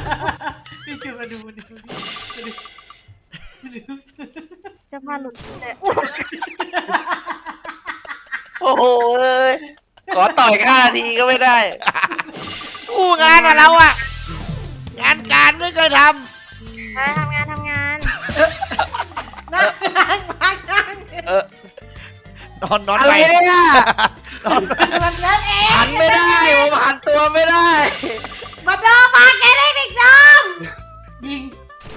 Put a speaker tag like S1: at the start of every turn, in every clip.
S1: พี่จูมาดู
S2: จะมาหลุดเลย
S3: โอ้โหขอต่อยข้าทีก็ไม่ได้
S4: อู้งานอะเราอะงานการไม่เคยท
S2: ทำงาน
S1: นั่ง
S4: ำนอน
S3: อะไร
S4: ไป
S3: เนี่ย
S1: มันเล่นเอง
S3: หันไม่ได้ผมหันตัวไม่ได้
S1: มาเดิมมาแกได้เด็กดำยิง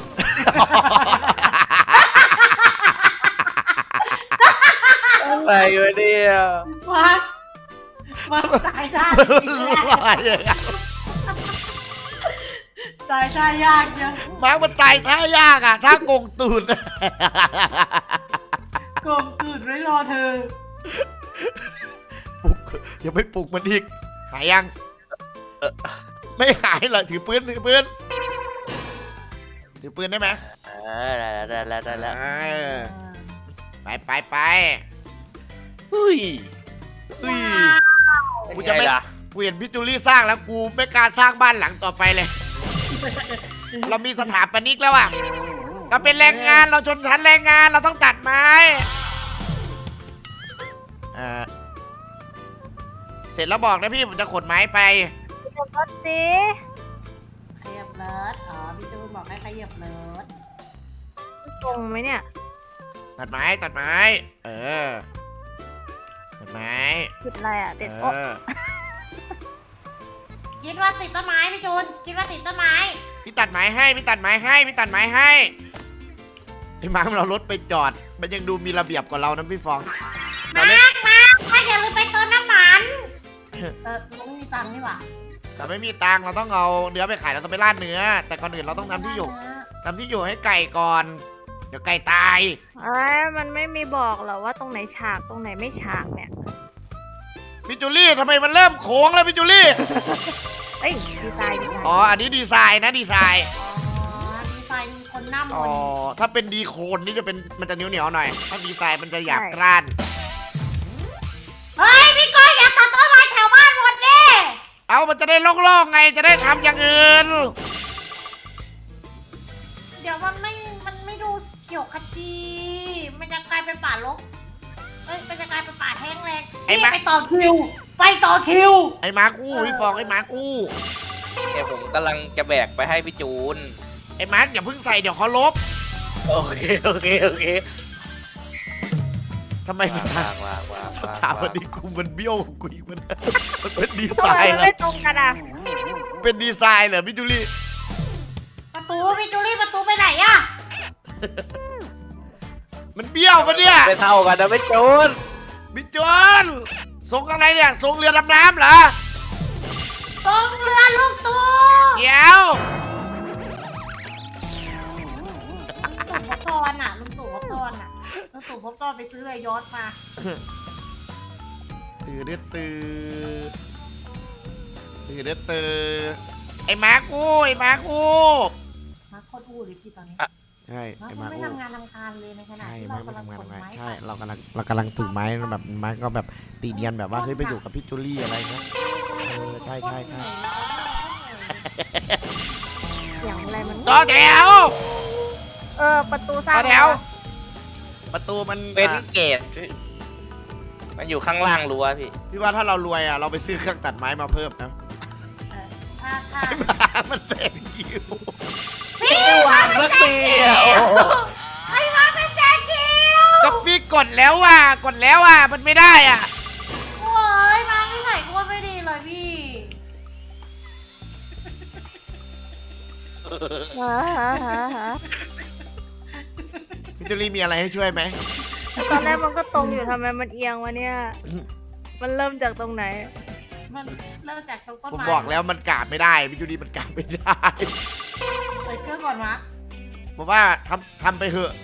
S3: อะไรวะเนี่ย
S1: มาตายท่าตายท่ายากยัง
S4: มาร์กมันตายท่ายากอะท่าโกงตูด
S1: กลมตื่นไว้รอเธอ
S4: ปลุกอย่าไปปลุกมันอีกหายยังไม่หายเหรอถือปืนได้ไหม
S3: ได้แล้ว
S4: ไป
S3: เฮ้ย
S4: กูจะไม่กูเห็นพี่จูลี่สร้างแล้วกูไม่กล้าสร้างบ้านหลังต่อไปเลย เรามีสถาปนิกแล้วอะเราเป็นแรงงานเราชนชั้นแรงงานเราต้องตัดไม้เสร็จแล้วบอกนะพี่ผมจะขนไม้ไป
S2: จะรถสิ
S1: ขยับรถอ๋อพี่จูนบอกให้ขยับรถ
S2: ตรงไหมเนี่ย
S4: ตัดไม้ตัดไม้
S2: ผิดอะไรอ่ะเด็ด
S4: เอ
S2: โอ๊ะ
S4: อ
S1: คิดว่าติดต้นไม้พี่จูนคิดว่าติดต้นไม้
S4: พี่ตัดไม้ให้ไอ้มาร์คเรารถไปจอดมันยังดูมีระเบียบกว่าเรานะพี่ฟองเราเล่น
S1: มาอย่าลืมไปเติมน้ำมันลุงมีตังค์นี่หว่า
S4: เราไม่มีตังค์เราต้องเอาเนื้อไปขายเราต้องไปราดเนื้อแต่ก่อนอื่นเราต้องทำที่อยู่ให้ไก่ก่อนเดี๋ยวไก่ตาย
S2: มันไม่มีบอกหรอว่าตรงไหนฉากตรงไหนไม่ฉากเนี่ย
S4: พี่จูลี่ทำไมมันเริ่มโค้งแล้วพี่จูลี่
S2: เอ้ยดีไซน์
S4: อ๋ออันนี้ดีไซน์นะดีไซน์
S1: ดีไซน์คนหน้าม
S4: อ๋อน ถ้าเป็นดีโคนนี่จะเป็นมันจะเหนียวหน่อยถ้าดีไซน์มันจะหยาบกร้าน
S1: เฮ้ยพี่ก้อยอย่าตัดต้นไม้แถวบ้านหมดดิ
S4: เอามันจะได้โล่งๆไงจะได้ทำอย่างอื่น
S1: เดี๋ยวมันไม่ดูเขียวขจีมันจะกลายเป็นป่ารกมันจะกลายเป็นป่าแห้งแรงไปต่อคิว
S4: ไอ้มาร์คอู้พี่ฟองไอ้มาร์คอู้
S3: เดี๋ยวผมกำลังจะแบกไปให้พี่จูน
S4: ไอ้มาร์คอย่าเพิ่งใส่เดี๋ยวเขาลบ
S3: โอเค
S4: ทำไมสถาปนิกกูมันเบี้ยวกูอีกมันเป็นดีไซ
S2: ทำไม
S4: น์
S2: มัน
S4: เหรอ
S2: ไม่ตรงกันอ่ะ
S4: เป็นดีไซน์เหรอพี่จูลี่
S1: ประตูพี่จูลี่ประตูไปไหนอะ
S4: มันเบี้ยวปะเนี่ย
S3: ไม่เท่ากันนะพี่จูน
S4: พี่จวนส่งอะไรเนี่ยส่งเรือดำน้ำเหรอ
S1: ตรงเรือลูกตู
S4: เดี๋ยว
S1: ลุงตู่พบตอนอะลุงตู่พบตอนไปซื้อเรือยอชต์มา
S4: ตื่นไอ้มาร์คอู้
S1: มาโคตรอู้เลยพี่ตอนนี้
S4: ใช่
S1: มา
S4: ไอ้
S1: ค
S4: มาร์ค
S1: ไม่
S4: อู้
S1: ทำงานทำการเลยในขณะ
S4: ใช่
S1: ที่
S4: มา
S1: เรา
S4: ร์คไม่
S1: กำลัง
S4: ทำงาน
S1: ขนไม้
S4: ใช่เรากำลังถือไม้แบบมาร์คก็แบบตีเนียนแบบว่าเฮ้ยไปอยู่กับพี่จูลี่อะไรเงี้ยใช่
S2: เสียงอะไรมัน
S4: ต่อแถว
S2: ประตูสร้าง
S4: ต่อแถว ประตูมัน
S3: เป็นเกตมันอยู่ข้างล่างรั้วพี่
S4: พี่ว่าถ้าเรารวยอ่ะเราไปซื้อเครื่องตัดไม้มาเพิ่มนะ
S1: ถ้า
S4: มันแตกคิว
S1: พี่
S3: วางสักทีอ่ะ
S1: ไอ้มาเป็นแจคิว
S4: ก็พี่กดแล้วมันไม่ได้อ่ะ
S1: โอ้ยมาที่ไหนก็ไม่ดีเลยพี่
S4: พี่จูลี่มีอะไรให้ช่วยไหม
S2: ตอนแรกมันก็ตรงอยู่ทำไมมันเอียงวะเนี่ย มันเริ่มจากตรงไหน
S1: มันเริ่มจากตรงต้น
S4: ผม
S1: ไม้
S4: บอกแล้วมันกาดไม่ได้พี่จูลี่มันกาดไม่ได้
S1: เปิดเครื่องก่อนวะ
S4: ผมว่าทำไปเถอะ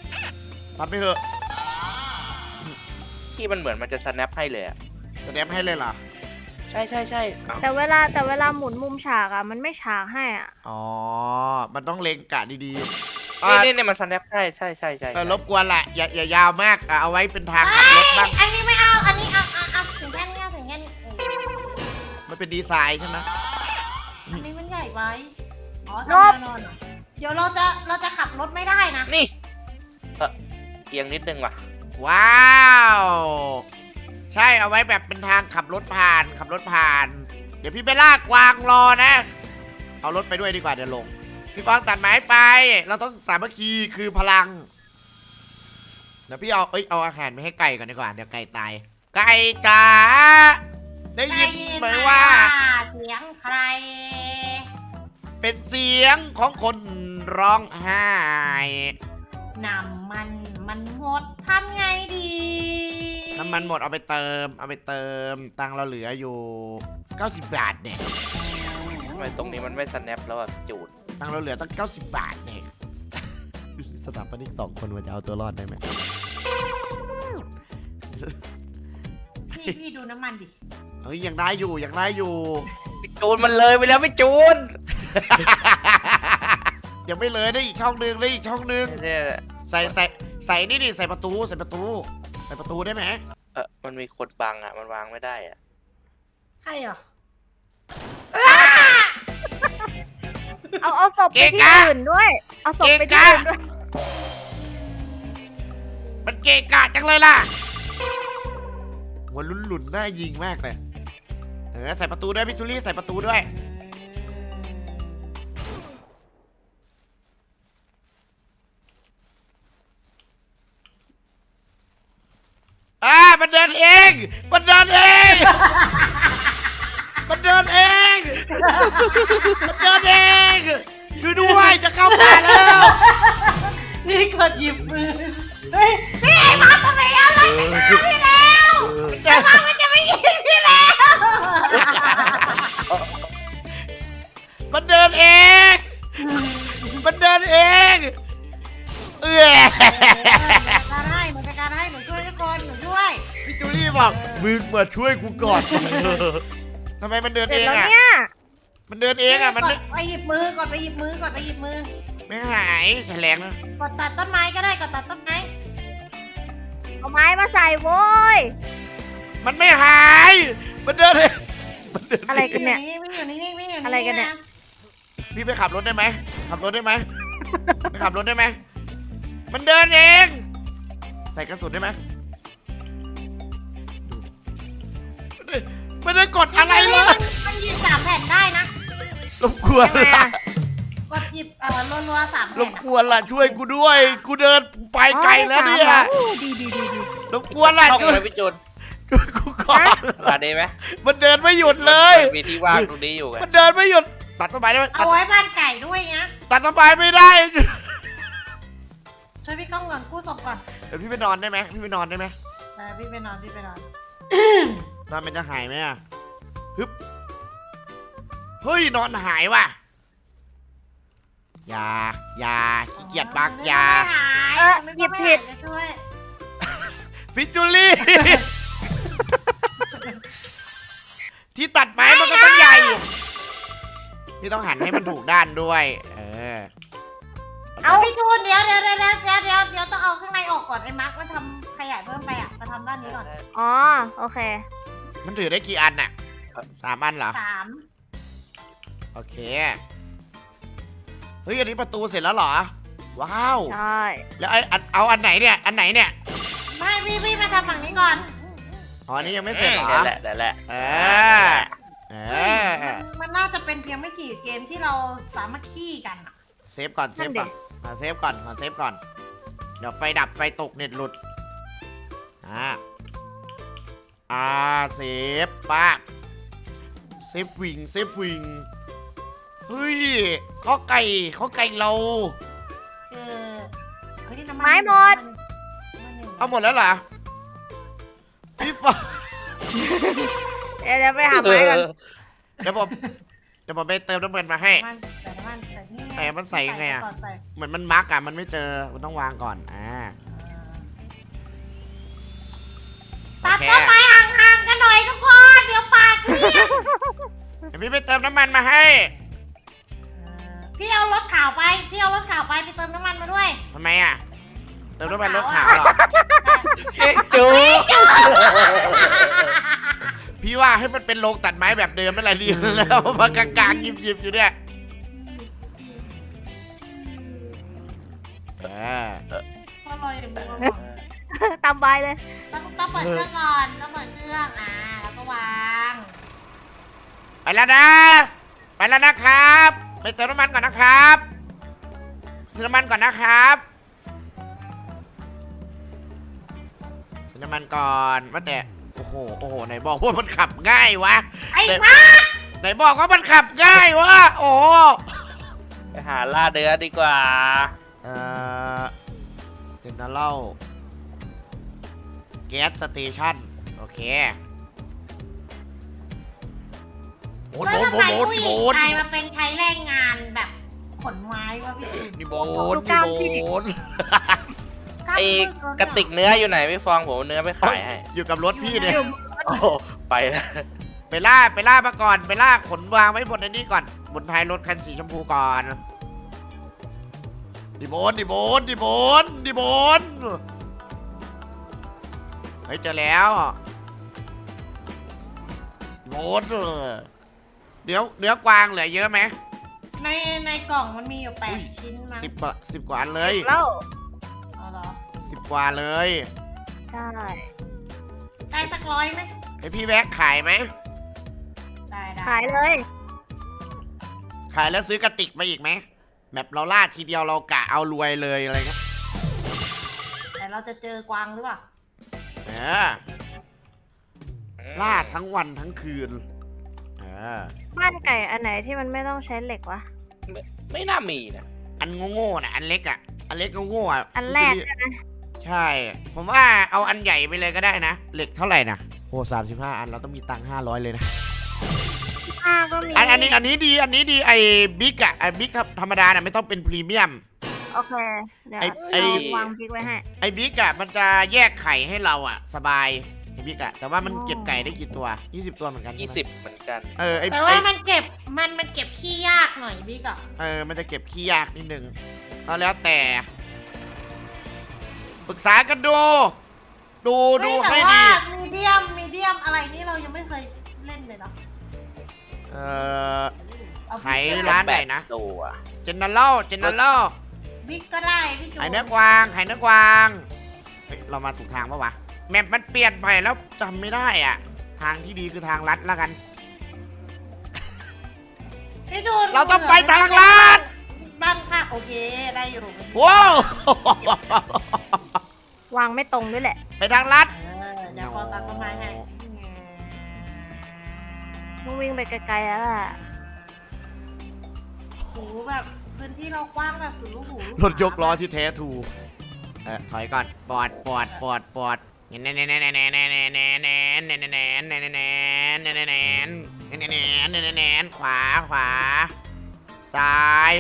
S3: ที่มันเหมือนมันจะ snap ให้เลยอ่ะ
S4: แสดงให้เลยเหรอ
S3: ใช่เอ้า
S2: แต่เวลาหมุนมุมฉากอ่ะมันไม่ฉากให้อ่ะ
S4: อ๋อมันต้องเล็งกะดีๆ
S3: นี่มัน snap ใช่
S4: รบกวนแหละอย่ายาวมากเอาไว้เป็นทางขับรถบ้าง
S1: อันนี้ไม่เอาอันนี้เอาถึงแค่นี้ถึงแค่นี้
S4: มันเป็นดีไซน์ใช่ไหม
S1: อันนี้มันใหญ่ไว้ อ๋ออ๋อทำแนวนอนเหรอเดี๋ยวเราจะขับรถไม่ได้นะ
S3: นี่เอียงนิดนึงว่ะ
S4: ว้าว ใช่เอาไว้แบบเป็นทางขับรถผ่านขับรถผ่าน เดี๋ยวพี่ไปลากกวางรอนะ เอารถไปด้วยดีกว่าเดี๋ยวลง พี่ฟองตัดไม้ไป เราต้องสามัคคีคือพลัง เดี๋ยวพี่เอาอาหารไปให้ไก่ก่อนดีกว่าเดี๋ยวไก่ตาย ไก่จ๋าได้ยินไหมว่า
S1: เสียงใคร
S4: เป็นเสียงของคนร้องไห้
S1: น้ำมันหมดทำไงดี
S4: น้ำมันหมดเอาไปเติมตังค์เราเหลืออยู่90 บาทเนี่ย
S3: ทำไมตรงนี้มันไม่สแนปแล้วแบบจูด
S4: ตังค์เราเหลือตั้ง90 บาทเนี่ย สถาปนิก2 คนมันจะเอาตัวรอดได้ไหม
S1: พี่ดูน้ำมันดิ
S4: เฮ้ยยังได้อยู่
S3: ไปจูนมันเลยไปแล้วไม่จูน
S4: ยังไม่เลยได้อีกช่องนึง
S3: เนี่ย
S4: ใส่นี่ดิใส่ประตูได้ไหม
S3: มันมีคนบังอ่ะมันวางไม่ได้อ่ะ
S1: ใช่เหรอ
S2: เอาศพไปที่อื่นด้วย เอาศพไปที่อื่นด้วย
S4: มันเกะกะจังเลยล่ะหัวหลุนๆน่ายิงมากเลยใส่ประตูด้วยพี่จูลี่ใส่ประตูด้วยมันเดินเองช่วยด้วยจะเข้าป่าแล้ว
S1: นี่กดหยิบมือเฮ้ยพี่มาทำไมอะไรจะฆ่าพี่แล้วจะมามันจะไม่ยิงพี่แล้ว
S4: มันเดินเอง
S1: มันจะการให้หนูช่วยทุกคนหนูช่วย
S4: พี่จูลี่บอกมึงมาช่วยกูก่อน ทำไมมันเดิน
S2: เสร็
S4: เอ
S2: จ
S4: ง
S2: แล้ว
S4: อ่ะ
S2: เนี่ย
S4: มันเดินเองอ่ะมัน
S1: กดไปหยิบมือกดไปหยิบมือ
S4: ไม่หายแรงนะ
S1: กดตัดต้นไม้ก็ได้กดตัดต้นไม้
S2: เอาไม้มาใส่โว้ย
S4: มันไม่หายมันเดินเอง
S2: อะไรกันเนี่ย
S1: ไม่อยู่นิ่ง
S2: อะไรกันเนี่ย
S4: พี่ไปขับรถได้ไหมไปขับรถได้ไหมมันเดินเองใส่กระสุนได้ไหมไม่ได้กดอะไรเลย
S1: มันหยิบ3 แผ่นได้นะ
S4: รบกวน
S2: ทำไม
S4: ล่ะ
S2: อะ
S1: กดหยิบรัวๆ3
S4: ร
S1: แผ่น
S4: บกวนล่ะช่วยกูด้วยกูเดินไปไกลแล้วเนี่ย
S2: โอ้ดี
S4: รบกวนล่ะ
S3: ช่อง
S4: ช่วย
S3: เลยพี่จูน
S4: กูก่อน
S3: ตัดได้ไหม
S4: มันเดินไม่หยุดเลย
S3: มันมีที่ว่างตรงนี้อยู่ไง
S4: มันเดินไม่หยุดตัดต้นไม้ได้ไหม
S1: เอาไว้บ้านไก่ด้วยนะ
S4: ตัดต้นไม้ไม่ได้
S1: ช่วยพี่ก้องก่อนกู้ศพก่อน
S4: เดี๋ยวพี่ไปนอนได้ไหมพี่ไปนอนได้ไหม
S1: พี่ไปนอน
S4: นอนมันจะหายไหมอ่ะฮึบเฮ้ยนอนหายว่ะอย่าขี้เกียจบักอย่า
S1: หยิบผิดช่วย
S4: พิจูลี่ ที่ตัดไม้มันก็ต้องใหญ่พี่ต้องหันให้มันถูกด้านด้วย
S1: เอาพี่จูนเดี๋ยวต้องเอาข้างในออกก่อนไอ้มาร์คมันทำขยายเพิ่มไปอ่ะมาทำด้านนี้ก่อน
S2: อ๋อ โอเค
S4: มันถือได้กี่อันน่ะ3 อันเหรอ
S1: 3
S4: โอเคเฮ้ยอันนี้ประตูเสร็จแล้วเหรอว้าว
S2: ใช่
S4: แล้วเอาอันไหนเนี่ย
S1: ไม่พี่มาทำฝั่งนี้ก่อน
S4: อ๋ออันนี้ยังไม่เสร็จเหรอ
S3: นั่นแหละ
S1: มันน่าจะเป็นเพียงไม่กี่เกมที่เราสามัคคีกันอะ
S4: เซฟก่อนเซฟก่อนเซฟก่อนเดี๋ยวไฟดับไฟตกเน็ตหลุดเซฟป้าเซฟวิงเฮ้ยข้อไก่เรา
S1: คือเฮ้ยนี่น้ำ
S2: ไม้หมด
S4: เอาหมดแล้วเหรอพี่ฟ้า
S2: เดี๋ยวไปหาไม้กัน
S4: เดี๋ยวผมไปเติมน้ำมันมาให้ แต่มันใส่ยังไงอะ เหมือนมันมักอ่ะมันไม่เจอมันต้องวางก่อน
S1: ตัดต้นไม้ห่างๆกันหน่อยทุกคนเดี๋ยวปากเรียก
S4: เดี๋ยวพี่ไปเติมน้ำมันมาให้
S1: พี่เอารถข่าวไปไปเติมน้ำมันมาด้วย
S4: ทำไมอ่ะเติมน้ำมันรถขาวเหรอ
S3: จู
S4: พี่ว่าให้มันเป็นโรงตัดไม้แบบเดิมนั่นแหละดีแล้วมากลางๆหยิบอยู่เนี่ย
S1: ก็รออย่างนี้ก่อน
S2: ตามใบเลย
S1: ต้องเปิดเครื่องก่อนต้องเปิดเครื่องแล้วก็วาง
S4: ไปแล้วนะ ไปแล้วนะครับ ไปเติมน้ำมันก่อนนะครับเติมน้ำมันก่อนนะครับเติมน้ำมันก่อนว่าแต่โอ้โหไหนบอกว่ามันขับง่ายวะ
S1: ไอ้บ้า
S4: ไหนบอกว่ามันขับง่ายวะโอ้
S3: ไปหาล่าเดือดีกว่า
S4: เจนเนอเรลแก๊สสเตชันโอเคโบน
S1: แล้ว
S4: โบ
S1: ทำ
S4: น
S1: ไม
S4: โบน
S1: ผู้ห
S4: โบ
S1: ญิง
S4: น
S1: ไทยมาเป็นใช้แรงงานแบบขนไม้วะพี่ตูน
S4: นี่โบนนี่โบน
S3: ไอ้กระติกเนื้ออยู่ไหนพี่ฟองผมเอาเนื้อไปขายให้
S4: อยู่กับรถพี่เนี่ย
S3: โอ้ไปแล้ว
S4: ไปล่ามาก่อนไปล่าขนวางไว้บนไอ้นี่ก่อนบนท้ายรถคันสีชมพูก่อนดิโบนเฮ้ยเจอแล้วดิโบนเนื้อกวางเหลือเยอะไหม
S1: ในกล่องมันมีอยู่8 ชิ้นมั้ง
S4: 10 กว่าอันเลย
S2: เล่า
S1: เอาเหรอ
S4: 10 กว่าเลย
S2: ใช่
S1: ได้สัก100ไหม
S4: ให้พี่แบ็คขายไหม
S1: ได้
S2: ขายเลย
S4: ขายแล้วซื้อกระติกมาอีกไหมแบบเราล่าทีเดียวเรากะเอารวยเลยอะไรเงี้ย
S1: แต่เราจะเจอกวางหรือเปล่า
S4: ล่าทั้งวันทั้งคืน
S2: บ้านไก่อันไหนที่มันไม่ต้องใช้เหล็กวะ
S3: ไม่น่ามีนะ
S4: อันโง่ๆนะอันเล็กอ่ะ อันเล็กโง่ๆอ่ะ
S2: อันแรกใช่ไหม
S4: ใช่ ผมว่าเอาอันใหญ่ไปเลยก็ได้นะ เหล็กเท่าไหร่นะโอ้35 อันเราต้องมีตังค์500เลยนะ
S2: ก็มี
S4: อันนี้ดีไอ้บิ๊กอ่ะไอ้บิ๊กธรรมดาน่ะไม่ต้องเป็นพรีเมียม
S2: โอเค เดี๋ยว
S4: ไอ้
S2: วางพริกไว้ให้
S4: ไอ้บิ๊กอ่ะมันจะแยกไข่ให้เราอ่ะ สบายไอ้บิ๊กอ่ะแต่ว่ามันเก็บไก่ได้กี่ตัว20 ตัวเหมือนกันใช่ไหม
S3: 20เหมือนกัน
S1: แต่ว่ามันเก็บขี้ยากหน่อยบิ๊กอะ
S4: มันจะเก็บขี้ยากนิดนึงก็แล้วแต่ปรึกษากันดูให้ดี
S1: แต่ว่ามีเดียมอะไรนี่เรายังไม่เคยเล่นเลยเนาะ
S4: ขายร้านไหนนะ
S3: ตัว
S4: เจนเนอเรล
S1: บิ๊กก็ได้พี่จู
S4: ขายเนื้อกวางเฮ้ยเรามาถูกทางปะวะแมปมันเปลี่ยนไปแล้วจำไม่ได้อ่ะ ทางที่ดีคือทางลัดแล้วกัน
S1: พี่จู
S4: เราต้องไปทางลัด
S1: บ้านค่ะโอเคได้อยู่
S4: ว้าว
S2: วางไม่ตรงด้วยแหละ
S4: ไปทางลัด
S1: เดี๋ยวขอตัดต้นไม้ให้
S2: ต้องวิ่งไปไกลๆแล้วล่ะ
S1: โหแบบพื้นที่เรากว้างแบบสุดลูกหู
S4: รถยกล้อที่แท้ถูกถอยก่อนปอดขวาซ้าย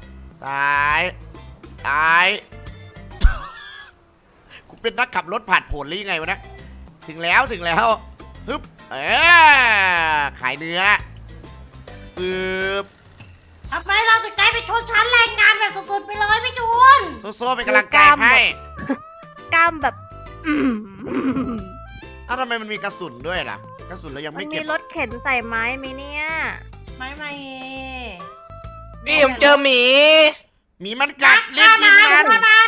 S4: กูเป็นนักขับรถผ่านผลหรือยังไงวะนะถึงแล้วฮึบขายเนื้อปึ๊บ
S1: ทำไมเราถึงกลายเป็นชนชั้นแรงงานแบบสุดๆไปเลยพี่จูน
S4: โซ่เป็นกำลังใจให้
S2: กล้ามแบบ
S4: อ้าวทำไมมันมีกระสุนด้วยล่ะกระสุนเรายัง
S2: มั
S4: ไม่
S2: น
S4: เก็
S2: มี
S4: บ
S2: รถเข็นใส่ไม้ไหมเนี่ย
S1: ไม่
S3: พี่ผมเจอหมี
S4: หมีมันกัดรีบยิงมัน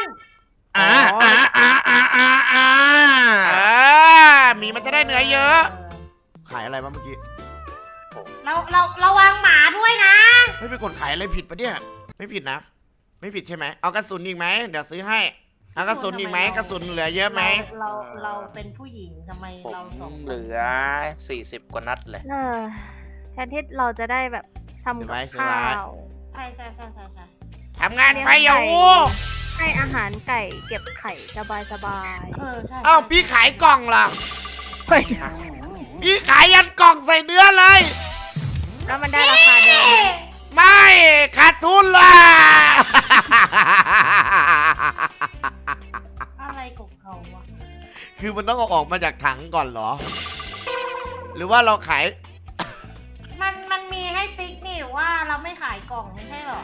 S4: หมีมันจะได้เนื้อเยอะ ขายอะไรบ้างเมื่อกี้
S1: เราวางหมาด้วยนะ
S4: ไม่ไปกดขายอะไรผิดปะเนี่ยไม่ผิดนะ ไม่ผิดใช่ไหมเอากระสุนอีกไหมเดี๋ยวซื้อให้เอากระสุนอีกไหมกระสุนเหลือเยอะไหม
S1: เราเป็นผู้หญิงทำไม
S3: ผม
S1: เราสอง
S3: เหลือ40 กว่านัดเลย
S2: แทนที่เราจะได้แบบทำกับข้าว
S1: ใช่
S4: ทำงานไปอย่าวู
S2: ให้อาหารไก่เก็บไข่สบาย
S1: ใช่
S4: เอ้าพี่ขายกล่องล่ะพี่ขายยันกล่องใส่เนื้อเลย
S2: ๆแล้วมันได้ราคาเดิม
S4: ไม่ขาดทุนล่ะ
S1: อะไรของเขาวะ
S4: คือมันต้องเอาออกมาจากถังก่อนเหรอ หรือว่าเราขาย
S1: มันมีให้ติ๊กนี่ว่าเราไม่ขายกล่องไม่ใช่หรอ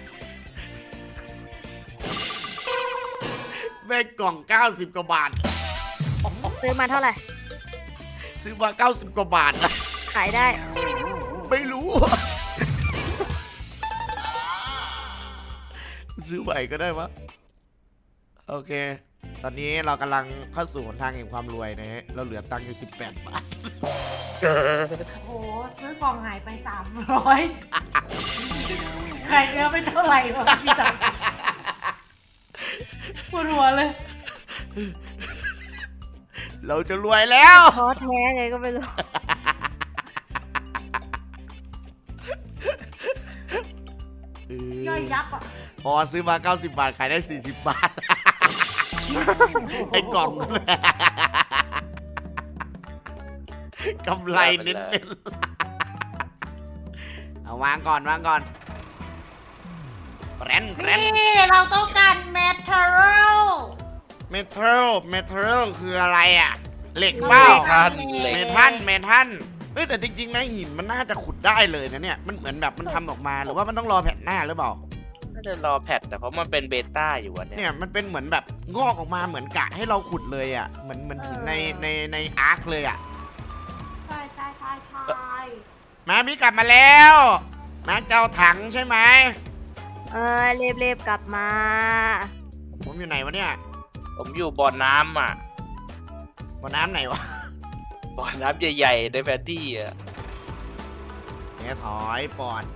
S4: แม่งกล่อง90 กว่าบาท
S2: ซื้อมาเท่าไหร่
S4: ซื้อมา90 กว่าบาทนะ
S2: ขายได้
S4: ไม่รู้ ซื้อใหม่ก็ได้วะโอเค ตอนนี้เรากำลังเข้าสู่หนทางแห่งความรวยนะฮะ เราเหลือตังค์อยู่18 บาท
S1: โอ้โหซื้อกล่องหายไป300ไข่เนื้อไม่เท่าไหร่หรอกพี่ตังปวดหัวเลย
S4: เราจะรวยแล้ว
S2: ท้อแท้ไงก็ไม่รู้
S1: ย่อยยับอ่ะ
S4: พอซื้อมา90 บาท ขายได้40 บาท ไอ้กล่อง กำไรเน้นๆเอาวางก่อนแรน
S1: นี่เราต้องการเมทัล
S4: เมทัลคืออะไรอ่ะ เหล็กเปล่า เมทัลเฮ้ยแต่จริงๆนะหินมันน่าจะขุดได้เลยนะเนี่ย มันเหมือนแบบมันทำออกมาหรือว่ามันต้องรอแผ่นหน้าหรือเปล่า
S3: น่าจะรอแพทแต่เพราะมันเป็นเบต้าอยู่อันเนี้
S4: เนี่ย ยมันเป็นเหมือนแบบงอกออกมาเหมือนกะให้เราขุดเลยอ่ะเหมือนหินในอาร์คเลยอ่ะ
S1: ใช่
S4: มาพี่กลับมาแล้วมาเจ้าถังใช่ไหม
S2: เรียบกลับมา
S4: ผมอยู่ไหนวะเนี่ย
S3: ผมอยู่บ่อน้ำอ่ะ
S4: บ่อน้ำไหนวะ
S3: บ่อน้ำใหญ่ๆในแผนที่อ่ะ
S4: เนี่ยถอยปอด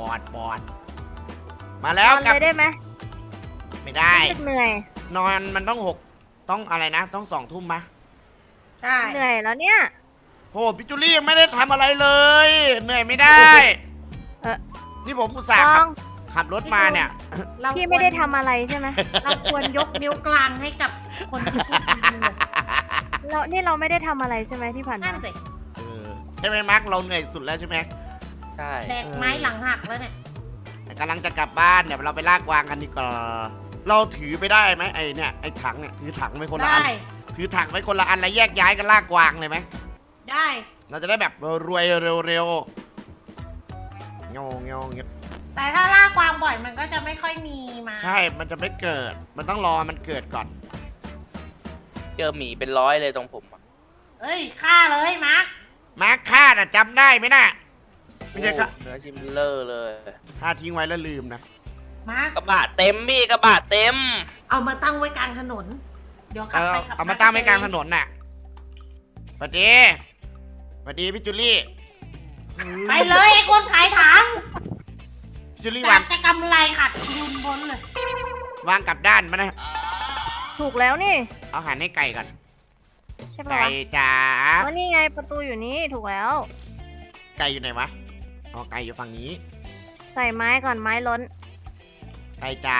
S4: มาแล้ว
S2: นอน
S4: กลับ
S2: เลยได้ไหม
S4: ไม่ได้
S2: รู้สึกเหนื่อย
S4: นอนมันต้องอะไรนะ ต้อง2 ทุ่มมะ
S1: ใช่
S2: เหนื่อยแล้วเนี่ย
S4: โหพี่จูลี่ยังไม่ได้ทำอะไรเลย เหนื่อยไม่ได้ นี่ผมอุตส่าห์
S2: ต้อง
S4: ขับรถมาเนี่ย
S2: พี่ไม่ได้ทำอะไรใช่ไหม
S1: เราควรยกนิ้วกลางให้กับคนที่พูดจริงๆ
S2: นี่เราไม่ได้ทำอะไรใช่ไหมที่ผ่าน
S1: นั่
S2: มาน
S1: สิ
S4: ใช่ไหมมาร์คเราเหนื่อยสุดแล้วใช่ไหม
S3: ใช่
S1: แดกไม้หลังหักแล้วเนี่ย
S4: แต่กำลังจะกลับบ้านเดี๋ยวเราไปลากกวางกันดีกว่าเราถือไปได้ไหมไอเนี่ยไอถังเนี่ยถือถังไปคนละอั
S1: ได้
S4: นถือถังไปคนละอันแล้วแยกย้ายกันลากกวางเลยไหม
S1: ได้
S4: เราจะได้แบบรวยเร็วๆงง
S1: แต่ถ้าล่ากวางบ่อยมันก็จะไม่ค่อยมีมา
S4: ใช่มันจะไม่เกิด มันต้องรอมันเกิดก่อน
S3: เจอหมีเป็น100เลยตรงผมอะ
S1: เอ้ยฆ่าเลยมาร์ค
S4: มาร์คฆ่าน่ะจำได้ไหมน่ะไม่ใช่
S3: โอ้
S4: ค่ะ
S3: เนื้อชิมเลอร์เลย
S4: ฆ่าทิ้งไว้แล้วลืมนะ
S1: มาร์ค
S3: กระบะเต็มพี่กระบะเต็ม
S1: เอามาตั้งไว้กลางถนน เดี๋ยวขับไปขับ
S4: เอามาตั้งไว้กลางถนนน่ะสวัสดีพี่จูลี่
S1: ไปเลยไอ้คนขายถัง
S4: พี่จูลี่
S1: จาว
S4: าง
S1: กจะกำไรขาดทุนบนเลย
S4: วางกลับด้านมานะ
S2: ถูกแล้วนี่
S4: เอาอาหารให้ไก่ก่อน
S2: ใช่ปะ
S4: ไก่
S2: วะ
S4: จ๋า
S2: อ๋อนี่ไงประตูอยู่นี่ถูกแล้ว
S4: ไก่อยู่ไหนวะอ๋อไก่อยู่ฝั่งนี้
S2: ใส่ไม้ก่อนไม้ล้น
S4: ไก่จ๋า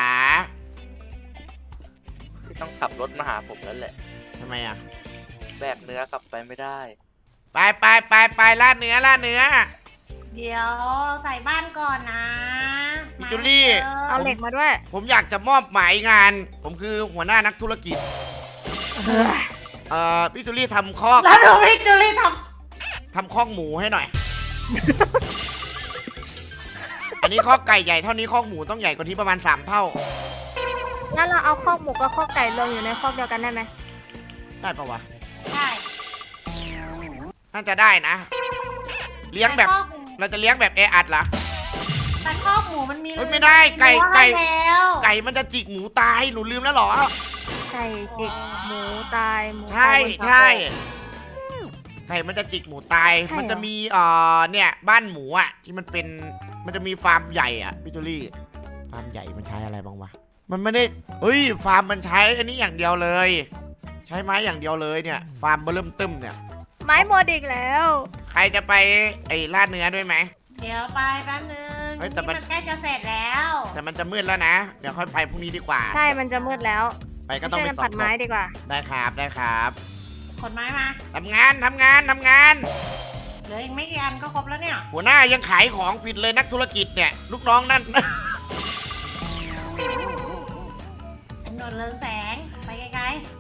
S3: ที่ต้องขับรถมาหาผมแล้วแหละ
S4: ทำไมอ่ะ
S3: แบกเนื้อกลับไปไม่ได้
S4: ไปล่าเนื้อ
S1: เดี๋ยวใส่บ้านก่อนนะ
S4: พี่จูลี่
S2: เอาเหล็กมาด้วย
S4: ผมอยากจะมอบหมายงาน ผมคือหัวหน้านักธุรกิจ พี่จูลี่ทำคอก
S1: แล้วดูพี่จูลี่ท
S4: ทำคอกหมูให้หน่อย อันนี้คอกไก่ใหญ่เท่านี้คอกหมูต้องใหญ่กว่านี้ประมาณ3 เท่า
S2: งั้นเราเอาข้อกหมูกับข้อกไก่รวมอยู่ในข้อกเดียวกันได้ไหม
S4: ได้ปะวะ
S1: ำได้
S4: น่าจะได้นะ เลี้ยงแบบ
S1: ต่คอกหมู
S4: เราจะเลี้ยงแบบแออัดเหรอ
S1: แต่คอกหมูมันมี
S4: เฮ้ยไม่ได้ไก่
S1: รั้วให้แล้ว
S4: ไก่มันจะจิกหมูตายหนูลืมแล้วเหรอ
S2: ไก่จิกหมูตายหมู
S4: ใช่
S2: ตายบน
S4: ใช่
S2: เสา
S4: ไก่มันจะจิกหมูตาย
S2: ใช่เหรอ
S4: มันจะมีเนี่ยบ้านหมูอ่ะที่มันเป็นมันจะมีฟาร์มใหญ่อ่ะพี่จูลี่ฟาร์มใหญ่มันใช้อะไรบ้างวะมันไม่ได้เฮ้ยฟาร์มมันใช้อันนี้อย่างเดียวเลย ใช้ไม้อย่างเดียวเลยเนี่ยฟาร์มเริ่มตึ้มเนี่ย
S2: ไม้หมดอีกแล้ว
S4: ใครจะไปไอ้ล่าเนื้อด้วยไหม
S1: เดี๋ยวไปแป๊บนึง
S4: เฮ้ยแต่
S1: นี่
S4: มั
S1: มัน นใกล้จะเสร็จแล้ว
S4: แต่มันจะมืดแล้วนะ เดี๋ยวค่อยไปพรุ่งนี้ดีกว่า
S2: ใช่ มันจะมืดแล้ว
S4: ไปก็ต้องไป
S2: ช่วยกัน
S4: สอ
S2: ตั
S4: บ
S2: ดไม้ดีกว่า
S4: ได้ครับ
S1: ขนไม้มา
S4: ทำงาน
S1: เหลืออีกไม่กี่อันก็ครบแล้วเนี่ย
S4: หัวหน้ายังขายของผิดเลยนักธุรกิจเนี่ย ลูกน้องนั่น
S1: เป็นหนวดเรืองแสง ไปไกล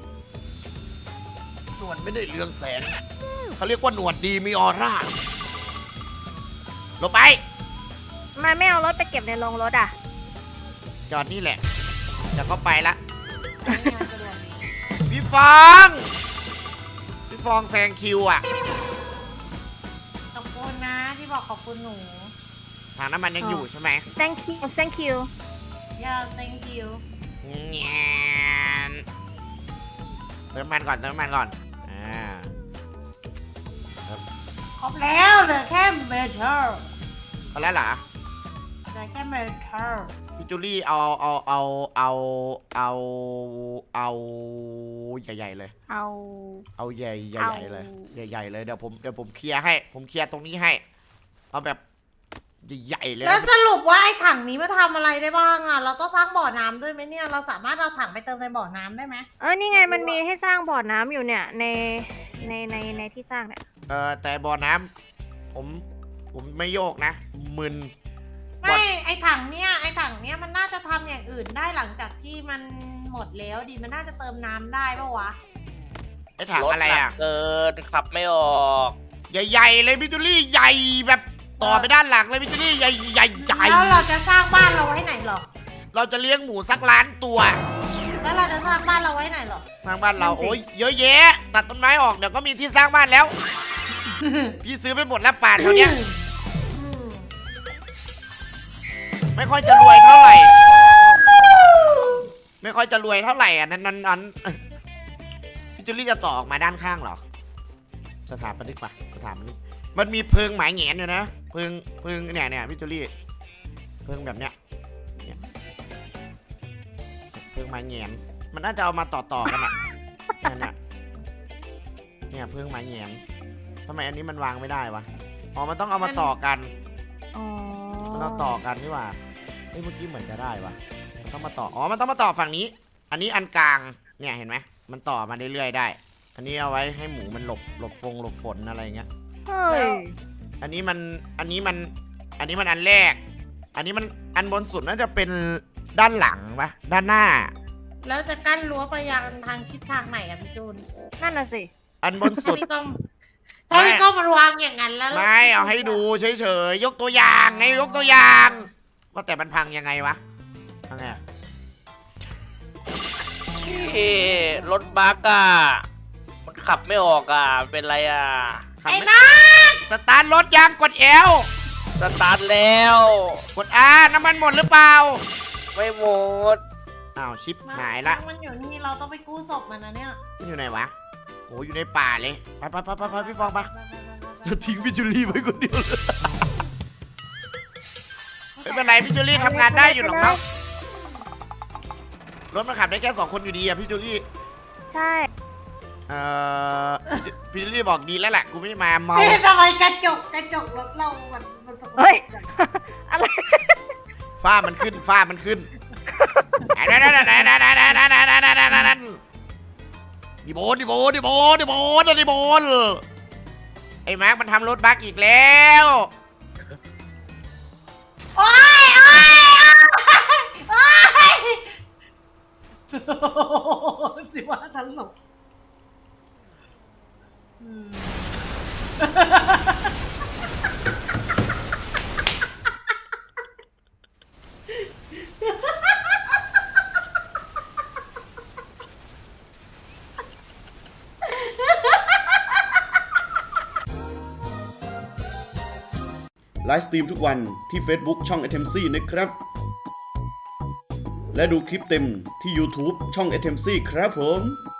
S4: หนวดไม่ได้เรืองแสงเขาเรียกว่าหนวดดีมีออร่าลงไป
S2: มาไม่เอารถไปเก็บในโรงรถอ่ะ
S4: จอดนี่แหละเดี๋ยวก็ไปละ
S1: ๆนี่มันจะเดือด
S4: พี่ฟองแซงคิวอ่ะ
S1: ขอบคุณนะที่บอกขอบคุณหนู
S4: ถังน้ำมันยังอยู่ใช่ไหม
S2: thank you thank you
S1: อย่า thank you
S4: แง่นเติมน้ำมันก่อนเติมน้ำมันก่อน
S1: ครบแล้วเหลือแค่เมทัล
S4: ก็แล้วเหรอ
S1: เหลือแค่เมทัล
S4: พี่จูลี่เอาใหญ่ๆเลย เอาใหญ่ๆเลยใหญ่ๆเลยเดี๋ยวผมเคลียร์ให้ผมเคลียร์ตรงนี้ให้เอาแบบใหญ่ๆเลย
S1: แล้ว
S4: นะ
S1: สรุปว่าไอ้ถังนี้มาทำอะไรได้บ้างอ่ะเราต้องสร้างบ่อน้ำด้วยไหมเนี่ยเราสามารถเอาถังไปเติมในบ่อน้ำได้ไหม
S2: นี่ไงมันมีให้สร้างบ่อน้ำอยู่เนี่ยในที่สร้างเนี่ย
S4: แต่บ่อน้ำผมไม่โยกนะมึน
S1: ไม่ไอ้ถังเนี้ยมันน่าจะทำอย่างอื่นได้หลังจากที่มันหมดแล้วดิมันน่าจะเติมน้ำได้ปะวะ
S4: ไอ้ถังอะไร
S3: ถหนั
S4: อ่ะ
S3: กเกินขับไม่ออก
S4: ใหญ่ๆเลยพี่จูลี่ใหญ่แบบต่อไปด้านหลังเลยพี่จูลี่ใหญ่
S1: แล้วเราจะสร้างบ้านเราไว้ไหนหรอ
S4: เราจะเลี้ยงหมูสักล้านตัว
S1: แล้วเราจะสร้างบ้านเราไว้ไหนหรอ
S4: สร้างบ้านเราโอ้ยเยอะแยะตัดต้นไม้ออกเดี๋ยวก็มีที่สร้างบ้านแล้ว พี่ซื้อไปหมดแล้วป่าแถวเนี้ยไม่ค่อยจะรวยเท่าไหร่อ่ะนั้นพี่จูลี่จะต่อออกมาด้านข้างเหรอสถาปนิกปะสถาปนิกมันมีเพิงหมายแหงนอยู่นะเพิงเนี่ยพี่จูลี่เพิงแบบเนี้ยเพิงหมายแหงนมันน่าจะเอามาต่อกันอ่ะเนี่ยเพิงหมายแหงนทำไมอันนี้มันวางไม่ได้วะอ๋อมันต้องเอามาต่อกันมันต้องต่อกันนี่หว่าเมื่อกี้เหมือนจะได้วะมันต้องมาต่อมันต้องมาต่อฝั่งนี้ อันนี้อันกลางเนี่ยเห็นไหมมันต่อมาเรื่อยๆได้ อันนี้เอาไว้ให้หมูมันหลบฝนอะไรเงี้ย
S2: เฮ้ย
S4: อันนี้มันอันแรก อันนี้มันอันบนสุดน่าจะเป็นด้านหลังปะด้านหน้า
S1: แล้วจะกั้นรั้วไปยังทางทิศทางไหนอะพี่จูน
S2: นั่นน่ะสิ
S4: อันบนสุด
S1: ถ้าพี่ก้องมันวางอย่างนั้นแล้ว
S4: ไม่เอาให้ดูเฉยๆยกตัวอย่างไงยกตัวอย่างว่าแต่มันพังยังไงวะพังไง
S3: รถบัสอ่ะมันขับไม่ออกอ่ะเป็นไรอ่ะ
S4: ไอ้มาสตาร์ทรถยางกดเอล
S3: สตาร์ทแล้ว
S4: กดอาน้ำมันหมดหรือเปล่า
S3: ไม่หมด
S4: อ้าวชิปหายละ
S1: มันอยู่นี่เราต้องไปกู้ศพมันนะเนี่ย
S4: มันอยู่ไหนวะโอ้อยู่ในป่าเลยไปพี่ฟองไปเราทิ้งพี่จูลี่ไว้คนเดียวเลยไม่เป็นไรพี่จูลี่ทำงานได้อยู่หรอกเนาะรถมันขับได้แค่2 คนอยู่ดีอะพี่จูลี่
S2: ใช่
S4: พี่จูลี่บอกดีแล้วแหละกูไม่มาเมา
S1: เฮ้ยทำไมกระจกรถเรามันสกปรก
S2: เฮ้ยอะไร
S4: ฝ้ามันขึ้นดิโบนไอ้มาร์คมันทำรถบักอีกแล้ว
S1: โอ๊ยสิว่าตลก
S5: ไลฟ์สตรีมทุกวันที่ Facebook ช่อง Atemcy นะครับ และดูคลิปเต็มที่ YouTube ช่อง Atemcy ครับผม